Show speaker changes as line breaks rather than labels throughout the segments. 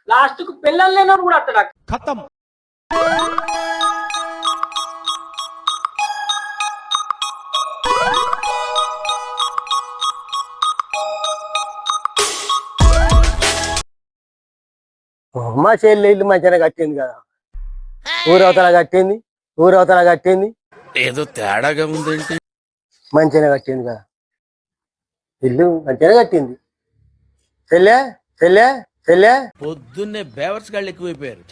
Last కు పిల్లలు లేనోడు కూడా అత్తడా
ఖతం.
మా చెల్లి ఇల్లు మంచిగా కట్టింది కదా, ఊరవతల కట్టింది
ఏదో తేడాగా ఉందేంటి?
మంచిగా కట్టింది కదా, ఇల్లు మంచిగా కట్టింది. చెల్లె చెల్లె చెల్లె
పొద్దున్నే బేవర్స్ గాళ్ళు ఎక్కువైపోయారు.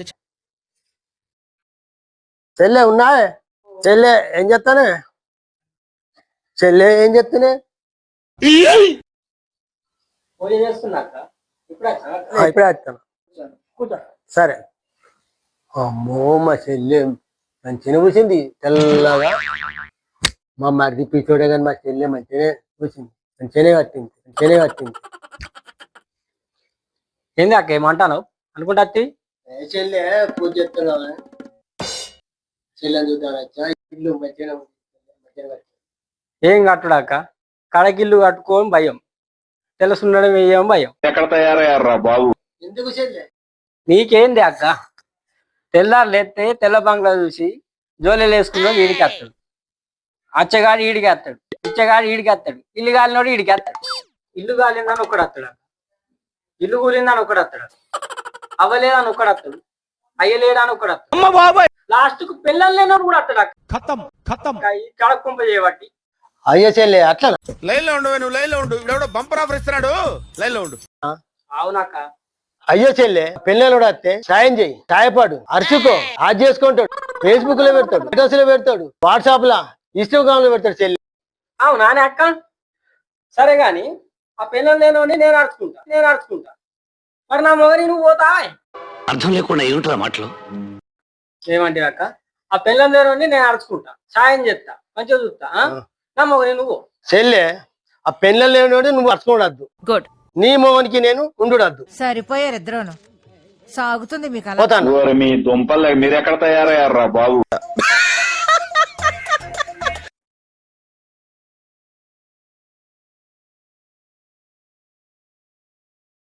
చెల్లె ఉన్నా? చెల్లె ఏం చెప్తానే? చెల్లె ఏం చెప్తానే?
పూజ చేస్తున్నాక ఇప్పుడే
ఇప్పుడే వస్తాను. సరే. అమ్మో మా చెల్లె మంచిగా కూర్చుంది తెల్లగా. మా మరిది పిచ్చోడే కానీ మా చెల్లె మంచిగానే కూర్చుంది, మంచిగానే కట్టింది.
ఏంది అక్క ఏమంటాను అనుకుంటా
చెల్లె పూజ చేస్తున్నావా? చెల్లెని చూద్దాం ఇల్లు మంచిగా
ఏం కట్టడాక కడకిల్లు కట్టుకోని భయం, తెలుసుండడం ఏం భయం.
ఎక్కడ తయారయ్యారా బాబు?
ఎందుకు చెల్లె?
నీకేంది అక్క? తెల్లారు లేస్తే తెల్ల బంగ్లా చూసి జోలెలు వేసుకున్నా వీడికి వస్తాడు, అచ్చగాడు ఈడికి వస్తాడు, పిచ్చగాడు ఈడికి వస్తాడు, ఇల్లు గాలినోడు ఈడికి వస్తాడు. ఇల్లు గాలిందని ఒకడు వస్తాడు, ఇల్లు కూలిందని ఒకడు వస్తాడు, అవ్వలేదని ఒకడు వస్తాడు, అయ్యలేడని ఒకడు వస్తాడు, లాస్ట్ కు పిల్లలు లేనోడు కూడా వస్తాడు అక్క.
ఖతం ఖతం.
కడకుంప చేయబట్టి
అయ్యో చెల్లె అట్లా
లైన్ లో ఉండు, నువ్వు లైన్ లో ఉండు. ఇవిడెవడో బంపర్ ఆఫర్ ఇస్తున్నాడు, లైన్ లో ఉండు.
అవునక్క.
అయ్యో చెల్లె పిల్లలు వస్తే సాయం చెయ్యి, సాయపడు, అరుచుకో, ఆజ్ చేసుకుంటాడు, ఫేస్బుక్ లో పెడతాడు, స్టేటస్ లో పెడతాడు, వాట్సాప్ లా, ఇన్స్టాగ్రామ్ లో పెడతాడు చెల్లి.
అవునానే అక్క? సరే గాని ఆ పిల్లలు లేనోని నేను అడుచుకుంటా మరి నా మొగని నువ్వు పోతా?
అర్థం లేకుండా ఏమిట్రా మాటలు?
ఏమంటే అక్క, ఆ పిల్లలు లేనోని నేను అడుచుకుంటా, సాయం చేస్తా, మంచిగా చూస్తా, నా మొగని నువ్వు.
చెల్లె ఆ పెళ్ళలు లేనివాడు నువ్వు అరుచుకోవద్దు,
గుడ్.
నీ మొగనికి నేను ఉండుడద్దు.
సరిపోయారు ఇద్దరును. సాగుతుంది మీకు అలా.
పోతాను.
మీ దుంపలు మీరెక్కడ తయారయ్యారా బాబు?